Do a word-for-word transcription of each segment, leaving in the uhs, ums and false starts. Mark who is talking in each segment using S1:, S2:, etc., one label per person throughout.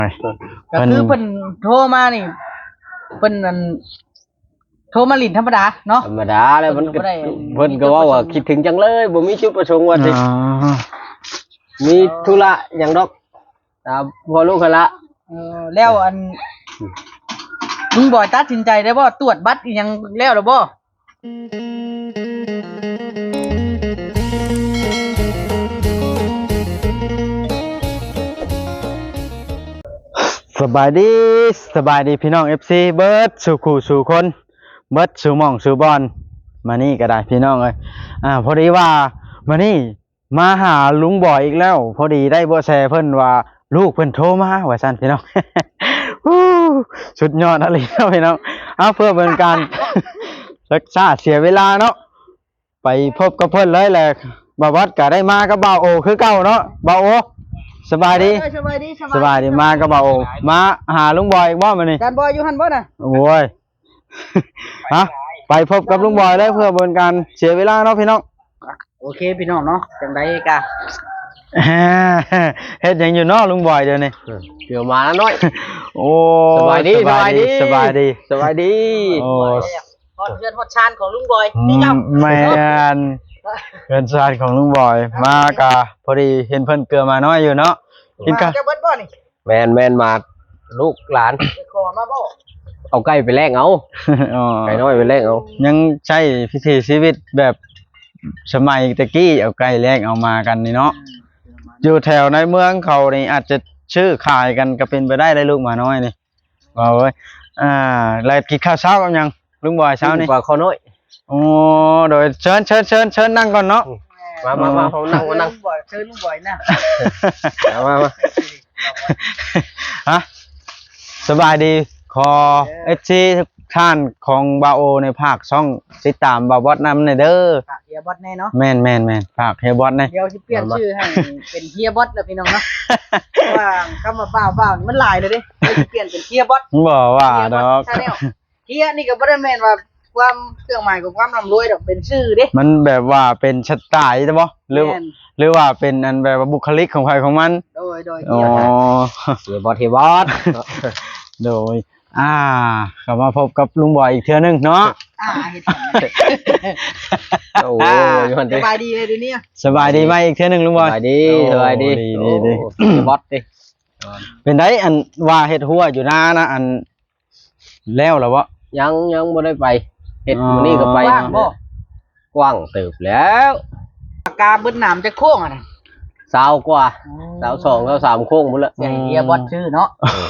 S1: ก็คือเพิ่นโทรมานี่เพิ่นนั่นโทรมาลิ้นธรรมดาเนาะ
S2: ธรรมดาแล้วมันก็เพิ่นก็ว่าว่าคิดถึงจังเลยบ่มีจุดประสงค์ว่าสิมีธุระหยังดอกตามพอลูกกันละ
S1: เออแล้วอันลุงบอยตัดสินใจได้บ่ตรวจบัตรอีหยังแล้วหรือบ่
S3: สบายดีสบายดีพี่น้อง เอฟ ซี เบิร์ดสู่คู่สู่คนเบิร์ดสู่หม่องสู่บอลมานี่ก็ได้พี่น้องเอ้ยอ่าพอดีว่ามานี่มาหาลุงบ่อยอีกแล้วพอดีได้เบาะแสเพิ่นว่าลูกเพิ่นโทรมาว่าซั่นพี่น้อง สุดยอดอะไรเนาะพี่น้องเอาเพื่อเป็นการรักษาเสียเวลาเนาะไปพบกับเพิ่นเลยแหละบ่าววัดก็ได้มากับบ่าวโอคือเก่าเนาะบ่าวโอสบายดีสบายดีสบายดีมากับบ่าวโอมาหาลุงบอยอีกบ่มื้อนี้
S1: จานบอยอยู่หั่นบ่น่ะ
S3: โอ้ยฮะไปพบกับลุงบอยเลยเพื่อเป็นการเสียเวลาเนาะพี่น้อง
S1: โอเคพี่น้องเนาะจังได๋กะ
S3: เฮ็ดหยังอยู่เนาะลุงบอยเดี๋ยวนี้
S2: เดี๋ยวมาแล้วน้อย
S3: โอ้
S2: สบายดีสบายดี
S3: สบายดี
S2: สบายดี
S1: โอ้ฮอดเพื่อนฮอดชานของลุงบอยนี่เจ้า
S3: แม่นเพื่อนชานของลุงบอยมากะพอดีเห็นเพิ่นเกลือมาน้อยอยู่เนาะ
S1: กินกันจะเบิดบ่นี่
S2: แม่นแม่นมาลูกหลาน
S1: ขอมาบ่
S2: เอาไก่ไปแลกเอาไก่น้อยไปแลกเอา
S3: ยังใช้พิธีชีวิตแบบสมัยตะกี้เอาไก่แลกเอามากันนี่เนาะอยู่แถวในเมืองเขานี่อาจจะชื่อขายกันก็เป็นไปได้ได้ลูกมาน้อยนี่ว่าเว้ยอ่าแล้วกินข้าวเช้ากันยังลุงบอยเช้านี่
S2: ปลาข้าวน้อย
S3: โอ้โดยเชิญเชิญเชิญเชิญนั่งก่อนเนาะ
S2: มามามาเขานั่งมานั่ง
S1: เชิญลุงบอยนะ
S2: มามา
S3: ฮะสบายดีขอเอฟซีทุกท่านของบาโอในภาคช่องติดตามบาบอสนำในเด้อ
S1: ฝากเฮียบอสแน่เนาะ
S3: แม่นแม่นแม่นฝากเฮียบอสแน่
S1: เดี๋ยวจะเปลี่ยนชื่อให้เป็นเฮียบอสแล้วพี่น้องเนาะว่าคำว่าบ้าบ้ามันหลายเลยดิจะเปลี่ยนเป็นเฮียบอส
S3: บอกว่าดอก
S1: เฮียนี่ก็บ่ได้แม่นว่าความเครื่องหมายของความร่ำรวยดอกเป็นชื่อดิ
S3: มันแบบว่าเป็นสไตล์ใช่ป่ะหรือหรือว่าเป็นอันแบบว่าบุคลิกของใครของมัน
S1: โดยโดย
S3: อ๋อ
S2: เฮียบอสเฮียบอส
S3: โดยอ่าเข้ามาพบกับลุงบอยอีกเทื่อนึงเนาะ
S1: อ่าเฮ็ด
S2: โอ้ย
S1: สบายดีเลยเดี๋ยวนี้
S3: สบายดีไหมอีกเทื่อนึงลุงบอย
S2: สบายดีสบายดี
S3: ดี
S2: บอสดิ
S3: เป็นไดอันว่าเฮ็ดหัวอยู่หน้านะอันแล้วเหรอวะ
S2: ยังยังบ่ได้ไปเฮ็ดมื้อนี้ก็ไป
S1: กว้างบ่
S2: กว้างเติบแล้ว
S1: ปากกาเบิ้นหนามจะโค้งอ่ะนะ
S2: สาวกว่าสาวสองสาวสามโค้งหมดแล้ว
S1: เฮียบอสชื่อเนาะ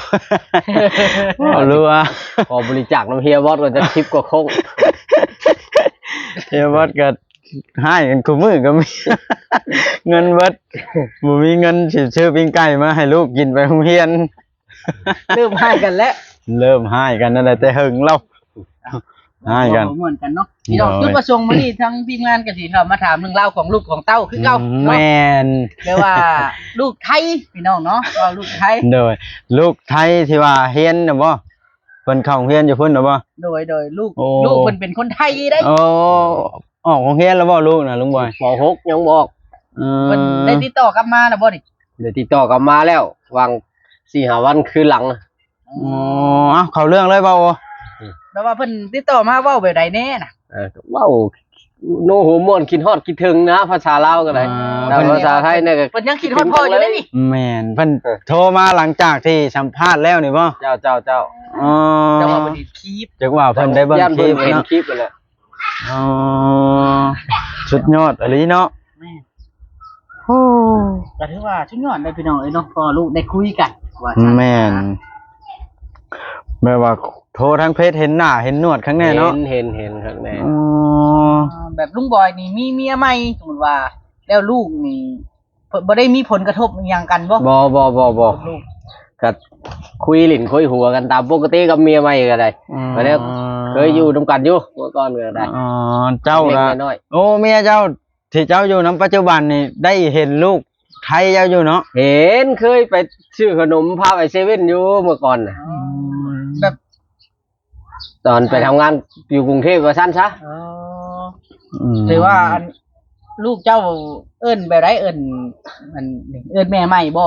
S3: เอารู้ว่า
S2: พอบริจาคน้ำเฮียบอสก็จะคลิปกว่าโค้ง
S3: เฮียบอสก็ให้กันคู่มือก็มีเงินเบิดบ่มีเงินสิซื้อปิ้งไก่มาให้ลูกกินไปโรงเรียน
S1: เริ่มให้กันแล้ว
S3: เริ่มให้กันนั่นแหละแต่หึงเราให้กัน
S1: เหมือนกันเนาะพี่น้องจุดประสงค์มื้อนี้ทั้งทีมงานก็สิเข้ามาถามเรื่องราวของลูกของเต้าคือเก่า
S3: แม่น
S1: แปลว่าลูกไทยพี่น้องเนาะว่าลูกไทย
S3: โดยลูกไทยที่ว่าเฮียนน่ะบ่เพิ่นเข้าโรงเรียนอยู่พุ่นน่ะบ่
S1: โดยโดยลูกลูกเพิ่นเป็นคนไทยได้
S3: โอ้ออกโรงเรียนแล้วบ่ลูกน่ะลุงบอย
S2: ป.หกยังบอก
S1: เพิ่นได้ติดต่อกลับมาแล้วบ่นี่
S2: ได้ติดต่อกลับมาแล้ววาง สี่ห้า วันคืนหลัง
S3: อ๋อเข้าเรื่องเลยบ่
S1: แล้วว่าเพิ่นติดต่อมาเว้าแบบใดแน่น่ะ
S2: เออเว้าโนโหม่วนคิดฮอดคิดถึงนะภาษาลาวก็ได้แต่ภาษาไทยเนี่ยก็
S1: เพิ่นยังคิดฮอดพ่ออยู่เลยนี่
S3: แม่นเพิ่นโทรมาหลังจากที่สัมภาษณ์แล้วนี่บ่
S2: เจ้าเจ้าเจ้า
S3: อ๋อ
S1: จังว่าเพิ่นคลิป
S3: จังว่าเพิ่นได้เบิ่งคลิป
S2: เห็นคลิปนั่นแหละ
S3: อ๋อสุดยอดอีหลีเนาะ
S1: แม่โอ้ก็ถือว่าสุดยอดได้พี่น้องเอ้ยเนาะพอลูกได้คุยกันว่า
S3: แม่นแม่ว่าโทรทางเพจเห็นหน้าเห็นหนวดข้างในเนาะ
S2: เห็นเห็นข้างใน
S3: อ๋อ
S1: แบบลุงบอยนี่มีเมียใหม่สมมุติว่าแล้วลูกนี่บ่ได้มีผลกระทบอีหยังกันบ่
S2: บ่บ่บ่บ่ก็คุยหลินคุยหัวกันตามปกติกับเมียใหม่ก็ได้ก็แล้วเคยอยู่นํกันอยู่เมื่อก่อนก็ได้
S3: อ๋อเจ้าล่ะโอ้เมียเจ้าที่เจ้าอยู่นํปัจจุบันนี่ได้เห็นลูกไทยเจ้าอยู่เนาะ
S2: เห็นเคยไปซื้อขนมพาไปเซเว่นอยู่เมื่อก่อนน่ะ
S1: แบบ
S2: ตอนไปทำงานอยู่กรุงเทพว่าซั่นซะ
S1: อ๋อถือว่าลูกเจ้าเอิ้นแบบไรเอิ้นมันเอิ้นแม่ใหม่บ่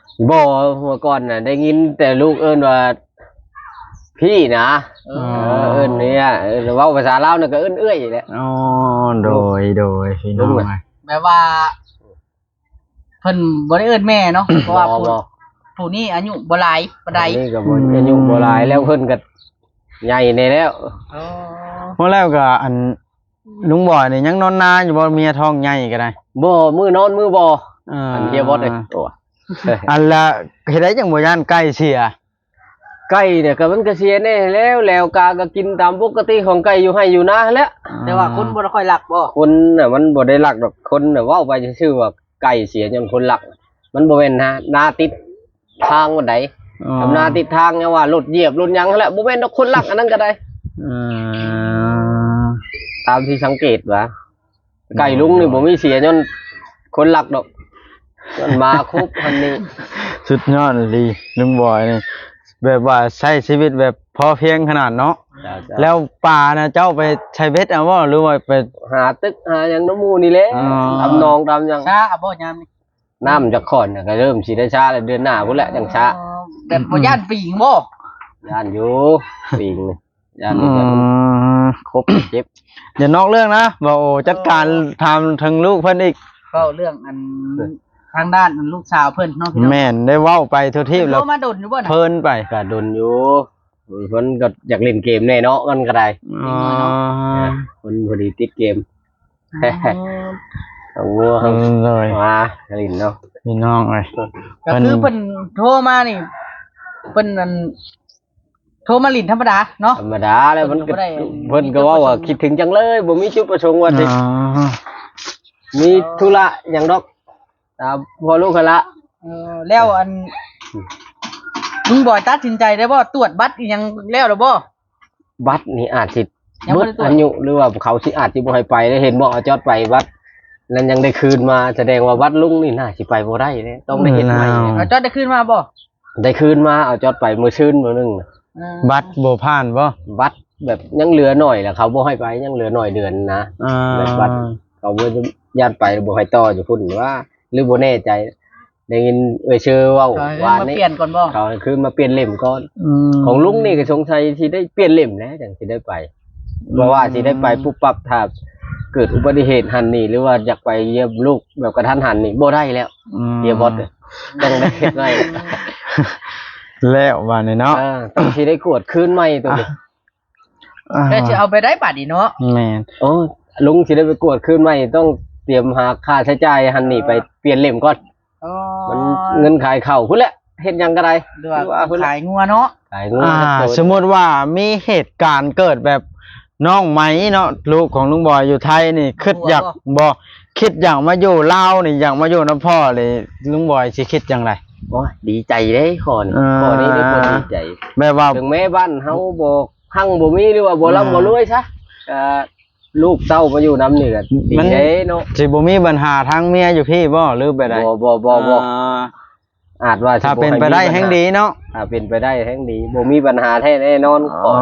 S2: บ่เมื่อก่อนน่ะได้ยินแต่ลูกเอิ้นว่าพี่นะ
S1: เอ
S3: อ๋
S1: อ
S3: อ
S2: เอิ้นเนี่ยเออเว้าภาษาลาวน่ะก็เอิ้นเอื้อยแหละ
S3: อ๋อโดยโดยพี่น้อง
S2: ลุงอะ
S1: แบบว่าเพิ่นบ่ได้เอิ้นแม่เนาะเพราะว่าผู้
S2: บ่
S1: ผู้นี้อายุบ่หลายปานใด
S2: อันนี่ก็บ่อายุบ่หลายแล้วเพิ่นก็ใหญ่ในแล้ว
S1: อ๋อ
S3: เมื่อแล้วก็อันลุงบอยนี่ยังนอนนาอยู่บ่เมียท้องใหญ่ก็ได้
S2: บ่มือนอนมือบ่
S3: อ่า
S2: อันเฮียบอสเลยโอ้
S3: อันละเฮ็ดได้จังบ่ย่านใกล้เสีย
S2: ไก่เนี่ยก็มันก็เสียแน่แล้วแล้วกาก็กินตามปกติของไก่อยู่ให้อยู่นะแหล้ว
S1: แต่ว่าคนบ่ได้ค่อยรักบ่
S2: คนน่ะมันบ่ได้รักดอกคนน่ะเว้าไปซื่อๆว่าไก่เสียจนคนรัก มันบ่แม่นนะนาติดทางบ่ได
S3: อ๋อ
S2: ทำนาติดทางเนี่ยว่ารถเหยียบรถหยังนั่นแหละบ่แม่นดอกคนรักอันนั้นก็ได้
S3: อ่า
S2: ตามที่สังเกตว่าไก่ลุงนี่บ่มีเสียจนคนรักดอกมันมาครบอันนี้
S3: สุดยอดเลยลุงบอยนี่แบบว่าใช้ชีวิตแบบพอเพียงขนาดเนาะแล้วป่านะเจ้าไปใช้เบ็ดเอาบ่หรือว่าไป
S2: หาตึกหาหยังน้ำมูนี่แหละ
S3: อ๋อ
S2: ทำนองทำหยัง
S1: ช้าอ่ะบ่ยามนี้
S2: น้ำจากขอนน่ะก็เริ่มสิได้ช้าแล้วเดือนหน้าพุ่นแหละจังช้า
S1: อ๋อแบบบ่ย่านปีงบ่
S2: ย่านอยู่ปีงนี่ย่าน
S3: อื
S2: นี่ก็
S3: ม
S2: ครบเจ็บ
S3: อย่านอกเรื่องนะบ่โอ้จัดการทำทั้งลูกเพิ่นอีก
S1: ก็เรื่องอันทางด้านอันลูกสาวเพิ่นเนาะพี่น้อง
S3: แม่นได้เว้าไปทั่วที
S1: เพิ่น
S3: แล้ว
S1: โทรมาดนอยู่บ่น่ะ
S3: เพิ่นไป
S2: ก็ดนอยู่เพิ่นก็อยากเล่นเกมแน่เนาะมันก็ได้
S3: อ๋อ
S2: เพิ่นพอดีติดเกม
S1: อ๋อ
S2: เอาวัว
S3: เพิ่นเลย
S2: มาเล่นเนาะ
S3: พี่น้องเอ้ย
S1: ก็คือเพิ่นโทรมานี่เพิ่นอันโทรมาลิ้นธรรมดาเนาะ
S2: ธรรมดาแล้วมันก็
S1: เพิ่นก็บ่ได้
S2: เพิ่นก็เว่าว่าคิดถึงจังเลยบ่มีจุดประสงค์ว่าสิ
S3: อ๋อ
S2: มีธุระหยังดอกตามพอลูกเขาละ
S1: เออแล้วอันลุงบอยตัดสินใจได้บ่ตรวจบัตรอีหยังแล้วหรือบ่
S2: บัตรนี่อาจสิ
S1: ยัง
S2: เบิ
S1: บ่
S2: ด
S1: ได้ตรวจ
S2: อายุหรือว่าเขาสิอาจสิบ่ให้ไปได้เห็นบ่เอาจอดไปบัตรแล้วยังได้คืนมาแสดงว่าบัตรลุงนี่น่าสิไปบ่ได้เด้ต้องได้เฮ็ดใหม่
S1: เอาจอดได้ขึ้นมาบ่
S2: ได้คืนมาเอาจอดไปมื้อชื่นมื้อนึงน่ะ
S1: เออ
S3: บัตรบ่ผ่านบ่
S2: บัตรแบบยังเหลือหน่อยแหละเขาบ่ให้ไปยังเหลือหน่อยเดือนนะ
S3: อ่า
S2: แบบบัตรเขาบ่จะญาติไปบ่ให้ต่ออยู่พุ่นว่า หรือบ่แน่ใจได้ยินเอ่ยชื่อเว้า
S1: เอาให้
S2: ว่า
S1: มา
S2: นี่
S1: เปลี่ยนก่อนบ่
S2: เขาคือมาเปลี่ยนเล่มก่อน
S3: ม
S2: ของลุงนี่ก็สงสัยที่ได้เปลี่ยนเล่มแล้วจังสิได้ไปเพราะว่าสิได้ไปปุ๊บปั๊บถ้าเกิดอุบัติเหตุหันนี่หรือว่าอยากไปเยี่ยมลูกแบบกระทันหันนี่บ่ได้แล้ว
S3: ม
S2: เฮียบอสต้องได้เฮ็ดไว้
S3: แล้วว่านี่เนาะ
S2: อ่าต้องสิได้กวดคืนใหม่ตัวนี้
S3: อ่า
S1: แล้วสิเอาไปได้บัตรอีเนาะ
S3: แม่น
S2: โอ้ลุงสิได้ไปกวดคืนใหม่ต้องเตรียมหาค่าใช้จ่ายหันนี่ไปเปลี่ยนเล่มก่อน
S1: อ๋อ
S2: มันเงินขายเข้าพุ่นแหละเฮ็ดหยังก็ได้
S1: หรือว่า
S2: พุ่นแหละ
S1: ขายงัวเนาะ
S2: ขายเงิน
S3: อ่า
S2: โดย
S3: สมมุติว่ามีเหตุการณ์เกิดแบบน้องไหมเนาะลูกของลุงบอยอยู่ไทยนี่คิดอยากบ่คิดอยากมาอยู่ลาวนี่อยากมาอยู่นำพ่อเลยลุงบอยสิคิดจังได
S2: โอ้ยดีใจเด้ขอนี่
S3: อ่า
S2: ขอนี้ได้คนดีใจ
S3: แม่ว่า
S2: ถึงแม้บ้านเฮาบ่หั่งบ่มีหรือว่าบ่ร่ำ
S3: อ่า
S2: บ่รวยซะก็ลูกเต้ามาอยู่นำนี่ก็ดี
S3: มัน
S2: เด้เนาะ
S3: สิบ่มีปัญหาทางเมียอยู่พี่บ่หรือไปได
S2: บ่บ่บ่บ่
S3: อ่า
S2: อาจว่าสิ
S3: ถ้า
S2: บ่
S3: เป็น
S2: ให้
S3: ไปได้
S2: มีปัญา
S3: แห่งดีเนาะ
S2: ถ้าเป็นไปได้แห่งดีบ่มีปัญหาแท้แน่นอนข
S3: อ๋
S2: อ
S3: อ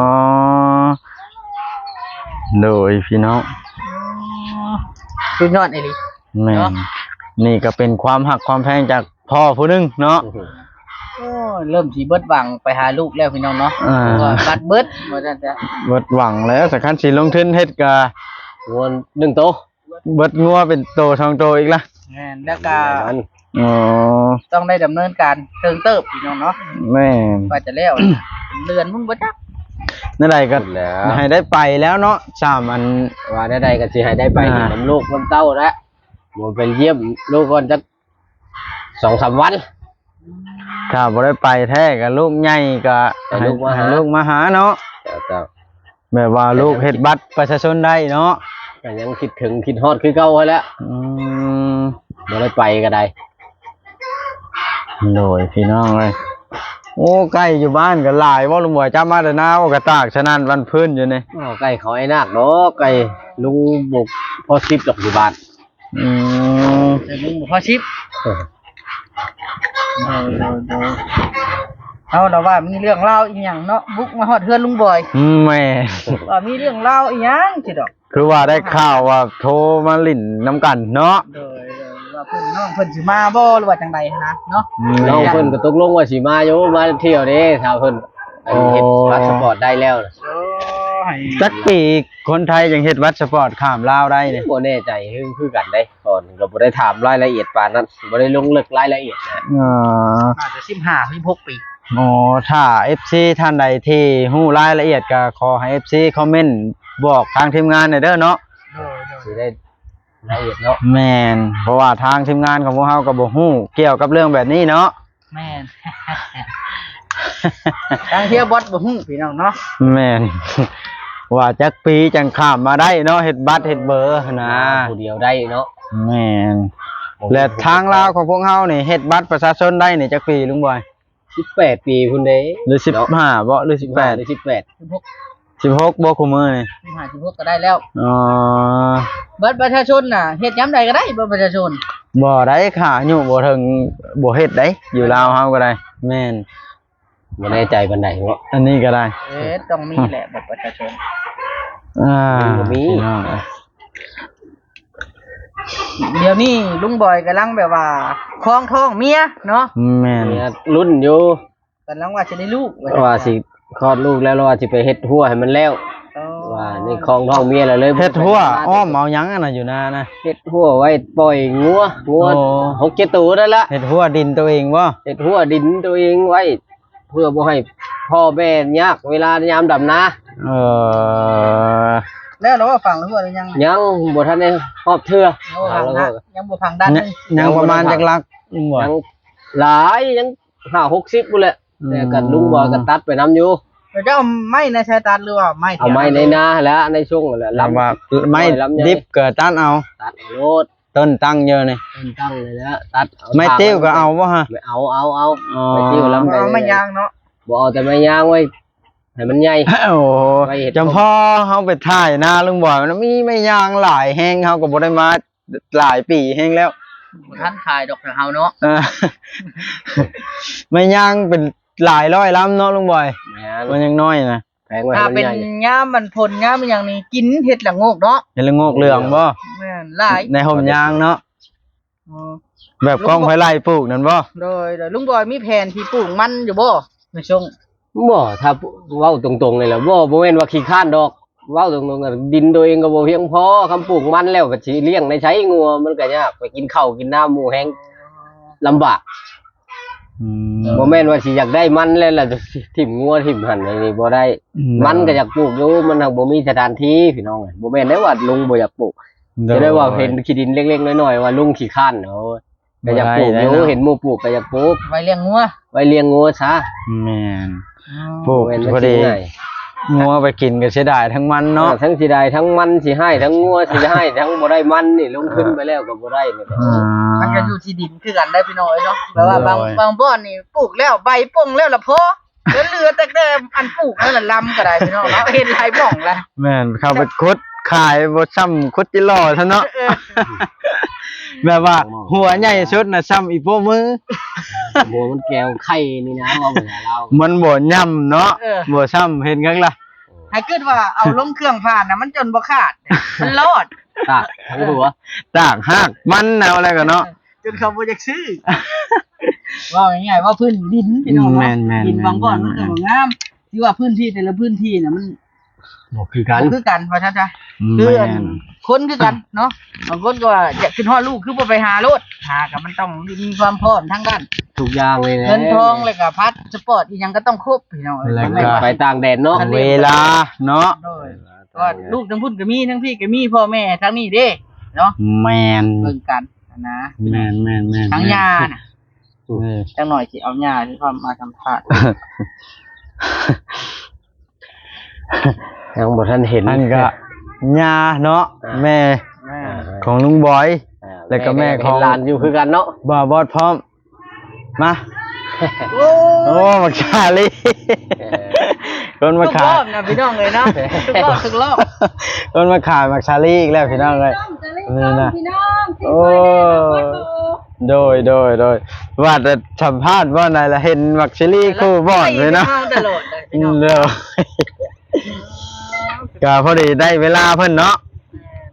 S3: โดยพี่น้อง
S1: สุดยอดไอ้ลิ
S3: แม่
S1: เนาะ
S3: นนี่ก็เป็นความหักความแพงจากพ่อผู้หนึงเนาะ
S1: โอ้ยเริ่มสิเบิดหวังไปหาลูกแล้วพี่น้องเนาะ
S3: อ่า
S1: เพราะว่าบัตรเบิดว่าซั่นจ้ะ
S3: เบิดหวังแล้วสักคันสิลงทุนเฮ็ดก็
S2: งวนหนึ่งโตะ
S3: เบิดงัวเป็นโตทองโตอีกละ
S1: แม่นแล้วก็
S2: มัน
S3: อ๋อ
S1: ต้องได้ดำเนินการเติงเติบพี่น้องเนาะ
S3: แม่น
S1: ว่าจะแล้วเรือนมึงบ่จัก
S3: นั่นใดก็
S2: สุดแล้ว
S3: ให้ได้ไปแล้วเนาะสามอัน
S2: ว่าได้ใดก็สิให้ได้ไป
S3: อ่า
S2: นำลูกนำเต้าแล้วบ่ไปเยี่ยมลูกก่อนจัก สองสาม วัน
S3: ถ้าบ่ได้ไปแท้ก็ลูกใหญ่ก็
S2: ให้ลูกมาหา
S3: ให้ลูกมาหาเนาะ
S2: เจ้า
S3: แบบว่าลูกเฮ็ดบัตรประชาชนได้เนาะ
S2: ๆก็ยังคิดถึงคิดฮอดคือเก่าไว้แล้ว
S3: อืม
S2: บ่ได้ไปก็ได้
S3: โดยพี่น้องเลยโอ้ใกล้อยู่บ้านก็หลายว่าลุงบอยจำมาแต่หน้าว่ากระตากฉะนั้นวันพื้นอยู่นี่
S2: อ้าวไก่เขาไอ้นาคดอกไก่ลุงบุกพอสิบดอกอยู่บ้าน
S3: อืม
S1: เดี๋ยวมึงบ่พอชิปเอาเราว่ามีเรื่องเล่าอีหยังเนาะบุกมาฮอดเฮือนลุงบอย
S3: แม่
S1: ว่ามีเรื่องเล่าอีหยังสิดอก
S3: คือว่าได้ข่าวว่าโทรมาลิ่นน้ำกันเนาะ
S1: โดยโดยว่าว่าเพิ่นน้องเพิ่นสิมาบ่หรือว่าจังใดนะเนาะ
S2: น้องเพิ่นก็ตกลงว่าสิมาอยู่มาเที่ยวเด้ถ้าเพิ่นอันเฮ็ดพาสปอร์ตได้แล้วน่ะ
S1: โอ้ย
S3: จักปีคนไทยยังเฮ็ดวัดสปอร์ตข้ามลาวได้เนี่ย
S2: บ่แน่ใจคือคือกันได้ก่อนก็บ่ได้ถามรายละเอียดปานนั้นบ่ได้ลงลึกรายละเอียดนะ
S3: อ๋อ
S1: น่าจะสิบห้า สิบหกปี
S3: อ๋อถ้า เอฟ ซี ท่านใดที่ฮู้รายละเอียดก็ขอให้ เอฟ ซี คอมเมนต์บอกทางทีมงานหน่อยเด้อเนาะ
S1: โดยโดย
S2: สิได้รายละเอียดเนาะ
S3: แม่นเพราะว่าทางทีมงานของพวกเฮาก็บ่ฮู้เกี่ยวกับเรื่องแบบนี้เนาะ
S1: แม่น ทางเที่ยวบอสบ่ฮู้พี่น้องเนาะ
S3: แม่น ว่าจักปีจังข้ามมาได้เนาะเฮ็ดบัตรเฮ็ดเบอร์นะ
S2: ผู้เดียวได้เนาะ
S3: แม่นและทางลาวของพวกเฮานี่เฮ็ดบัตรประชาชนได้นี่จักปีลุงบอย
S2: สิบแปดปีพุ่นเด้
S3: หรือสิบห้าบ่หรือสิบแปด
S2: หรือสิบแปด
S1: สิบหก
S3: สิบหกบ่คุมื้อนี่
S1: สิบห้า สิบหกก็ได้แล้ว
S3: อ๋อ
S1: บัตรประชาชนน่ะเฮ็ดยามใดก็ได้บัตรประชาชน
S3: บ่ได้ค่ะอายุบ่ถึงบ่เฮ็ดได้อยู่ลาวเฮาก็ได้แม่น
S2: บ่แน่ใจปานใดเนาะ
S3: อันนี้ก็ได้
S1: เอ๊ะต้องมีแหละบัตรประชาชน
S3: อ่า
S2: บ่มี
S3: พี่น้องเอ้ย
S1: เดี๋ยวนี้ลุงบอยกำลังแบบว่าครองท้องเมียเนาะ
S3: แม่น
S2: เนี่ยรุ่นอยู่
S1: กำลังว่าจะได้ลูก
S2: ว่าสิคลอดลูกแล้วแล้วว่าสิไปเฮ็ดหัวให้มันแล้ว
S1: อ๋อ
S2: ว่านี่คลองท้องเมียแล้วเลย
S3: เฮ็ดทั่วอ้อมเอาหยังอันน่ะอยู่นานะ
S2: เฮ็ดหัวไว้ปล่อยงัวงัว
S3: โอ้
S2: หกเจ็ดตัวนั่นละ
S3: เฮ็ดหัวดินตัวเองบ่
S2: เฮ็ดหัวดินตัวเองไว้ เพื่อบ่ให้พ่อแม่ยากเวลายามดำนา
S3: เออ
S1: แล้วเราว่าฟังแล้วว่าหรือยัง
S2: ยังบ่ทันได้ครอบเทื่อ
S1: ยังบ่ฟัง
S2: แล้
S1: นะ
S2: วก็
S1: ยังบ่ฟังด้าน
S3: ยั
S1: นึ
S3: ง
S1: ง
S3: ยังประมาณจักลักลุงบอย
S2: ยังหลายยังห้าหกสิบพุ่นแหละ
S3: อืม
S2: แต่กันลุงบอยก็ตัดไปนํอยู่
S1: เราจะเอาไม้ในชายตาหรือว่าไม้
S2: เอาไม้ในนาแล้วในช่วงนั่นแหละ
S3: ลำว่า
S2: ลำ
S3: ไม่
S2: ลำไย
S3: ดิบเกิดต้านเอา
S2: ตัดเอาโลด
S3: ต้นตั้งเยอะนี่
S2: ต้นตั้งเลยแล้วตัดเอา
S3: ไม่ติ้วก็เอาบ่ฮะ
S2: ไม่เอาเอาเอา
S3: อ๋อ
S2: ไม่ติ้วลำ
S1: เอาไม้ยางเนาะ
S2: บ่เอาแต่ไม้ยางไว้ให้มันใหญ่
S3: โอ้โห
S2: ไว้เฮ็ด
S3: จำพ่อเฮาไปถ่ายหน้าลุงบอยมันมีไม่ยางหลายแห้งเฮาก็บ่ได้มาหลายปีแห้งแล้ว
S1: ท่านขายดอกเฮาเนาะ
S3: เออ ไม่ยางเป็นหลายร้อยลำเนาะลุงบอย
S2: แม่น
S3: มันยังน้อยนะ
S2: แพงไว้ให้
S1: ถ้า
S2: มัน
S1: เป็น
S2: ใหญ่
S1: ย่ามมันผลย่ามมันอย่างนี้กินเห็ดละโงกเนาะ
S3: เห็นละโงกเหลืองบ่
S1: แม่นหลาย
S3: ในห่มยางเนาะ
S1: อ๋อ
S3: แบบกล้องไฟไล่ปลูกนั่นบ่
S1: โดยโดยลุงบอยมีแผนที่ปลูกมันอยู่บ่ในช่วง
S2: บ่ถ้าเว้าตรงๆเลยล่ะบ่บ่แม่นว่าขี้ข้านดอกเว้าตรงๆก็ดินตัวเองก็บ่เพียงพอคำปลูกมันแล้วก็สิเลี้ยงในใช้งัวมันก็ยากไปกินข้าวกินน้ำหมูแห้งลำบาก
S3: อืม
S2: บ่แม่นว่าสิอยากได้มันแล้วล่ะถิ่มงัวถิ่มหั่นไอ้นี่บ่ได้ มันก็อยากปลูกอยู่มันหักบ่มีสถานที่พี่น้องบ่แม่นได้ว่าลุงบ่อยากปลูกจะได้ว่าเห็นขี้ดินเล็กๆน้อยๆว่าลุงขี้ข้านเนาะก็อยากปลูกอยู่เห็นหมู่ปลูกก็อยากปลูก
S1: ไว้เลี้ยงงัว
S2: ไว้เลี้ยงงัวซะ
S3: แม่น
S1: อ๋อ
S3: ปลูก
S2: บ่แม่น
S3: พอดี
S2: ง่าย
S3: งัวไปกินก็เสียดายทั้งมัน
S2: เนาะ
S3: เนาะ
S2: ทั้งสิได้ทั้งมันสิให้ทั้งงัวสิให้ทั้งบ่ได้มันนี่ลงทุนไปแล้วก็บ่ได้นี่แหละ
S3: อ่า
S1: มันก็อยู่ที่ดินคือกันได้พี่น้อยเนาะแปลว่าบาง
S3: โดย
S1: บางบ่อนนี่ปลูกแล้วใบป่งแล้วละพอแล้วเหลือแต่แต่อันปลูกนั่นละลำก็ได้พี่น้องเนาะเห็นหลายบ่องละ
S3: แม่นเข้าไปคุดขายบ่ซ้ำคุดจิหล่อซะเนาะ
S1: เออ
S3: แบบว่า หัวใหญ่สุดน่ะซ้ำอีโป้มือ
S2: โบมันแก้วไข่นี่นะว่าบ่ให้เรา
S3: มันบ่ย่ำเนาะ
S1: เออ
S3: บ่ซ้ำเห็นกังล่ะ
S1: ให้คิดว่าเอาลงเครื่องผ่านน่ะมันจนบ่ขาดมันรอด
S2: ตากทั้งหัว
S3: ตากหากมันแนวอะไรกันเนาะ
S1: จนเขาบ่อยากซื้อ ว่าง่ายๆว่าพื้นดินพี่น้อง
S3: แม่
S1: เนาะ
S3: นแม่น
S1: ดินบางบ่อน
S3: แม่
S1: มัน
S3: น
S1: ก็บ่งามที่ว่าพื้นที่แต่ละพื้นที่น่ะมัน
S2: บ่คือกัน
S1: บ่คือกันว่าซั่นจ้ะคือ
S3: แม่
S1: อัน
S3: น
S1: คนคือกันเนาะบางคนก็ว่าอยากขึ้นฮอดลูกคือบ่ไปหาโลดหาก็มันต้องมีความพร้อมทั้งด้าน
S2: ทุกอย่างเลยนะ
S1: เงินทองแล้วก็พัดสปอร์ตอีหยังก็ต้องครบพี่น้องเอ้ย
S3: แล้วก็
S1: ไม่ว่า
S2: ไปต่างแดนเนาะ
S3: เวลาเนาะ
S1: โดยว่าลูกทั้งพุ่นก็มีทั้งพี่ก็มีพ่อแม่ทั้งนี้เด้เนาะ
S3: แมน
S1: เบิ่งกันนะ
S3: แมนแมนแมน
S1: ทั้งยาน่ะ
S3: เออ
S1: จังหน่อยสิเอายาที่ความมาสัมภาษณ์
S2: ยังบ่ทันเห็น
S3: อันก็ยาเนาะ
S2: อ่า
S3: แม่
S1: แม่
S3: ของลุงบอย
S2: อ่า
S3: แล้วก็แม่ของ
S2: เห็นหลานอยู่คือกันเนาะ
S3: บ่าวบอดพร้อม มา
S1: โอ้
S3: โอ้มักชาลี
S2: เออ
S3: คน
S1: ทุ
S3: มาก
S1: ร
S3: ขาย
S1: อบนะพี่น้องเลยเนาะทุกรอบทุกรอบ
S3: คนมาขายมักชาลีอีกแล้วพี่น้องเลยนี่นะโอ้โดยโดยโดยว่าจะสัมภาษณ์ว่าไหนละเห็นมักชาลีคู่บอดเลยเนาะ
S1: ตลอดเลยพี่น้อง
S3: เร็วก็พอดีได้เวลาเพิ่นเนาะ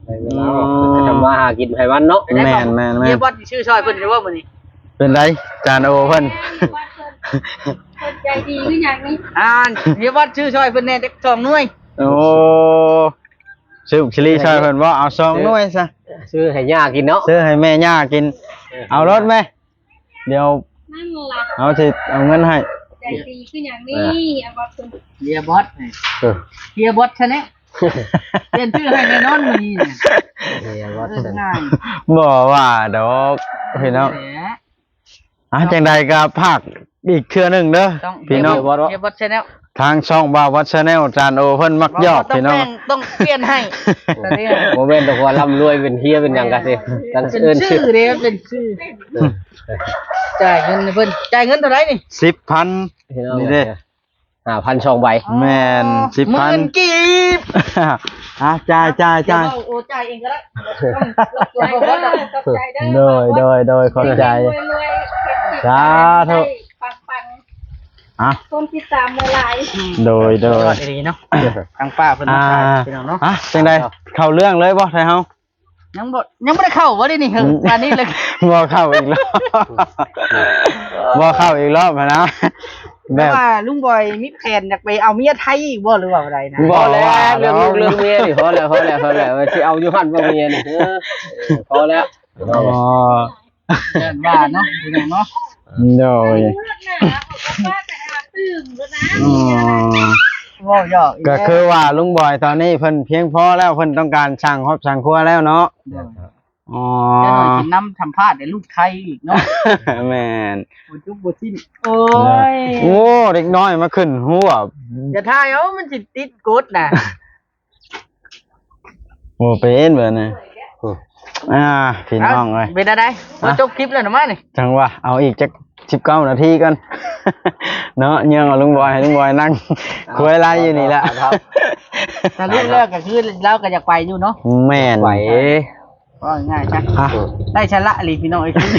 S2: ไปเวลาออกจะทำมาหากินให้มันเนาะ
S1: เป็นไง
S3: แม่นแม่นแม่น
S1: เฮียบอสชื่อชอยเพิ่นจะว่ามื้อนี้
S3: เป็นไรจานโอเพิ่น
S4: คนใจดีคืออย่างนี้
S1: อ่านเฮียบอสชื่อชอยเพิ่นแน่จักสองหน่วย
S3: โอ้ซื้อชิลีช่วยเพิ่นบ่เอาซองหน่วยซะ
S2: ซื้อให้ย่ากินเนาะ
S3: ซื้อให้แม่ย่ากิน เอารถไหมเดี๋ยว
S4: นั่นล่ะ
S3: เอาสิเอาเงินให้
S4: ใจดีคืออย่างนี้เอาว่าเป็น
S1: เฮียบอสนี่
S2: เออ
S1: เฮียบอสชะแนะเปลี่ยนชื่อให้แน่นอนมื้อนี้เนี่ย
S2: เฮียว่า
S1: เออง่าย
S3: บ่ว่าดอกพี่น้อง
S1: แหม
S3: อ่ะจังใดก็ภาคอีกเทื่อหนึงเด้อ
S1: ต้อง
S3: พี่น้อง
S1: เฮียบอสชะแนล
S3: ทางช่องบ่าววัดชาแนลจานโอเพิ่นมักยอก
S1: ต้อง
S3: พี่น้อง
S1: แป้งต้องเปลี่ยนให้แต่เนี่ย
S2: โมเมนต์ตัวร่ำรวยเป็นเฮียเป็นหยังกันสิกัน
S1: เป็น
S2: เอิ้น
S1: ชื่
S2: ชื่
S1: อ
S2: อ
S1: เด้เป็นชื่อจ่ายเงินให้เพิ่นจ่ายเงินเท่าไหร่นี่
S3: สิบพัน นี่เด้
S2: ห้าพันช่องใบ
S3: แม่นสิบพัน
S1: หมื่นกีบ
S3: อ่ะจ่ายจ่ายจ่าย
S1: เดี๋วเโอ้จ่ายเองก็ได้
S4: ใจเด้อตกใจเด้อ
S3: โดยโดยโดยขอบใจ
S4: รวยรวยๆ
S3: สาธุ
S4: ปังปัง
S3: อ่ะ
S4: ๆคนที่ตามมาหลาย
S3: โดยโด
S1: ย
S3: ย
S1: อดดีเนาะทางป้าเพิ่น
S3: อ่า
S1: มาขายพี่น้องเนาะ
S3: อ่ะจังใดเข้าเรื่องเลยบ่ไทเฮา
S1: ยังบ่ยังบ่ได้เข้าบ่ได้นี่เฮงอันนี้เลย
S3: บ่เข้าอีกรอบบ่เข้าอีกรอบหั้นนะแบ
S1: แต่
S3: บ
S1: ว่าลุงบอยมีแผนอยากไปเอาเมียไทยอีกบ่หรือว่าอะไรนะ
S3: บ่
S2: พอแล้วเรื่องลูกเรื่องเมียนี่พอแล้วพอแล้วพอแล้วที่เอาอยู่หันบ่เมียนี่เออพอแล้ว
S3: อ๋อ
S1: เดินว่าเนาะพี่น้องเนาะ
S3: โดย
S4: เลือดหนาเขาก็ว่าแต่อาตื่มแล้วนะ
S3: อ๋อ
S1: เว้ายอกอี
S3: ก็
S1: แล้ว
S3: คือว่าลุงบอยตอนนี้เพิ่นเพียงพอแล้วเพิ่นต้องการสั่งครอบสั่งครัวแล้วเนาะ
S1: เดี๋ยว
S3: อ๋อ
S1: จะหน่อยกินน้ำทำพาดในลูกไทยอีกเนาะ
S3: แม่น
S1: บ่จุบบ่สิ้นโอ้ย
S3: โอ้เด็กน้อยมาขึ้นหัว
S1: จะทายเอามันสิติดกดน่ะ
S3: โอ้เป็นเบิดนะอ่าพี่น้องเอ้ย
S1: เป็นอะไรมาจบคลิปแล้วนะมานี่
S3: จังว่าเอาอีกจักสิบเก้านาทีกัน เนาะเนื่องเอาลุงบอยให้ลุงบอยนั่งคุยอะไรอยู่นี่แหละ
S2: ครับ
S1: แต่ลูกแรกก็คือเราก็อยากไปอยู่เนาะ
S3: แม่น
S2: ไหว
S1: ก็ง่ายจ้ะ
S3: อ่ะ
S1: ได้ชะละหลีพี่น้องไอ้คือ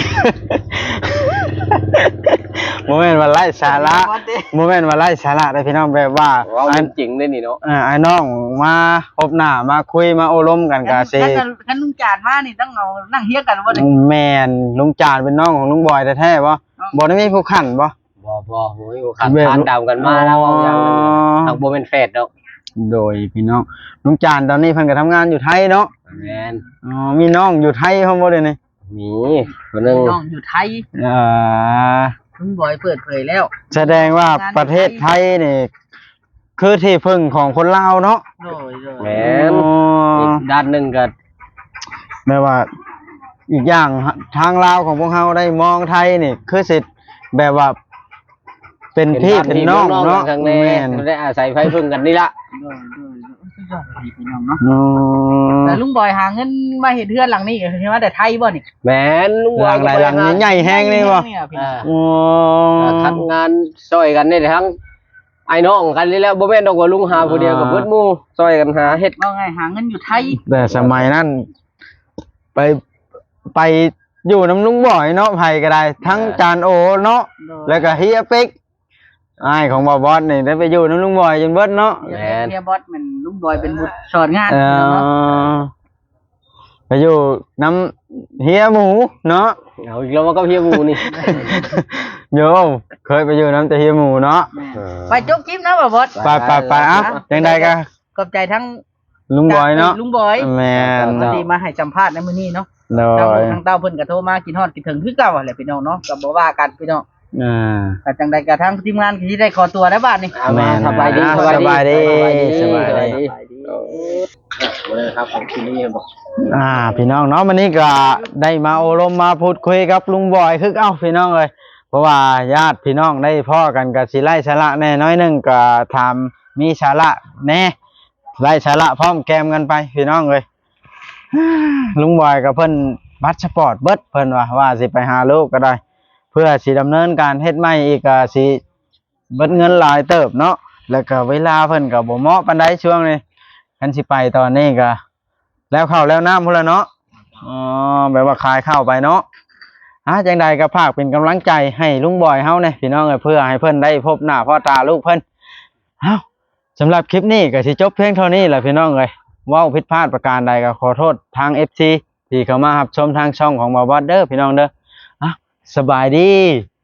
S3: โมเมนต์ว่าไล่สาระโมเมนต์ว่าไล่สาระได้พี่น้องแบบว่า
S2: เรา
S3: อั
S2: เป็น นจริงได้นี่เนาะ
S3: อ่าไอ้น้องมาพบหน้ามาคุยมาโอลมกันกะสิ
S1: คันคันลุงจานมานี่ต้องเอานั่งเฮียกันว่า
S3: แม่นลุงจานเป็นน้องของลุงบอยแท้ๆบ่บ่ได้มีผู้ขันบ่
S2: บ่บ่โอ้ยขันทานดำกันมาแล้วเอาอย่างนั้นทางบ่เป็นเฟสเนาะ
S3: โดยพี่น้องลุงจานตอนนี้เพิ่นก็ทำงานอยู่ไทยเนาะ
S2: แม่น
S3: อ๋อมีน้องอยู่ไทยเฮาบ่ได้นี่
S2: มีคนนึง
S1: น้องอยู่ไทย
S3: อ่า
S1: ลุงบอยเปิดเผยแล้ว
S3: แสดงว่าประเทศไทยนี่คือที่พึ่งของคนลาวเนาะ
S1: โดยโดย
S2: แม่น
S3: อ๋อ
S2: อีกด้านหนึงก็
S3: แม่ว่าอีกอย่างทางลาวของพวกเฮาได้มองไทยนี่คือสิแบบว่า เป็นพี่เป็นน้องเนาะ
S2: ข้างใน
S3: แม่น
S2: ได้อาศัยไฟพึ่งกันนี่ละ
S1: โดยโดยสุดยอดดีพี่น้องเนาะ
S3: อ๋อ
S1: แต่ลุงบอยหาเงินมาเห็นเทือนหลังนี้ใช่ไหมแต่ไทยบ่นี่
S2: แม่นลุง
S3: หลังหลายหลังใหญ่ๆแห้งเลยบ่
S1: เนี่ยพี่
S2: อ่า
S3: อ๋อ
S2: คัดงานซอยกันนี่ทั้งไอ้น้องกันนี่แล้วบ่แม่นดอกว่าลุงหาผู้เดียวกับเบิดหมู่ซอยกันหาเฮ็ด
S1: ว่าไงหาเงินอยู่ไทย
S3: แต่สมัยนั้นไปไปอยู่น้ำลุงบ่อยเนาะไผก็ได้ ทั้งจานโอเนาะแล้วก็เฮียเป็กอ้ายของบ่าวบอสนี่ได้ไปอยู่น้ำลุงบ่อยจนเบิดเนาะ
S1: เฮียบอสมันลุงบอยเป็นบุตรสอนงาน
S3: เอ
S1: เนาะ
S3: อไปอยู่น้ำเฮียหมูเนาะ
S2: เอาอีกแล้วมันก็เพียหมู่นี่
S3: โยมเคยไปอยู่น้ำแต่เฮียหมูเนาะ
S1: ไปจบคลิปนะบ่าวบอส
S3: ไปไปไปอ่ะยังไงกัน
S1: ขอบใจทั้ง
S3: ลุงบอยเนาะ
S1: ลุงบอย
S3: แมน
S1: พอดีมาให้สัมภาษณ์ในมื้อนี้เนาะ
S3: โด
S1: ทาง
S3: ย
S1: ทางเต้าเพิ่นก็โทรมากินฮอดกินถึงคือเก่าแหละพี่น้องเนาะก็บ่ว่ากันพี่น้อง
S3: อ่า
S1: ก็จังใดก็ทางทีมงานก็สิได้ขอตัวได้วบาดนี้
S2: เอามา
S3: แม่น
S2: สบายดี
S3: สบายดีสบายดี
S2: เลยครับผมที่นี่บอก
S3: อ่า พี่น้องเนาะวันนี้ก็ได้มาโอลมมาพูดคุยกับลุงบอยคือเอ้าพี่น้องเลยเพราะว่าญาติพี่น้องได้พ่อกันกับสิไล่สาระแน่น้อยหนึงก็ทำมีสาระแน่ไล่สาระพร้อมแกมกันไปพี่น้องเลย ลุงบอยกับเพิ่นบัตรสปอร์ตเบิดเพิ่นว่าว่าสิไปหาลูกก็ได้ เพื่อสิดำเนินการเฮ็ดใหม่อีกก็สิเบิดเงินหลายเติบเนาะแล้วก็เวลาเพิ่นก็บ่เหมาะปานใดช่วงนี้คันสิไปตอนนี้ก็แล้วข้าวแล้วน้ำพุ่นละเนาะอ๋อแบบว่าขายข้าวไปเนาะอ่ะจังใดก็ภาคเป็นกำลังใจให้ลุงบอยเฮาเนี่ยพี่น้องเอ้ยเพื่อให้เพิ่นได้พบหน้าพ่อตาลูกเพิ่นเอ้าสำหรับคลิปนี้ก็สิจบเพียงเท่านี้แหละพี่น้องเอ้ยเว้าผิดพลาดประการใดก็ขอโทษทาง เอฟ ซี ที่เข้ามารับชมทางช่องของบ่าวบอสเด้อพี่น้องเด้ออ่ะสบายดี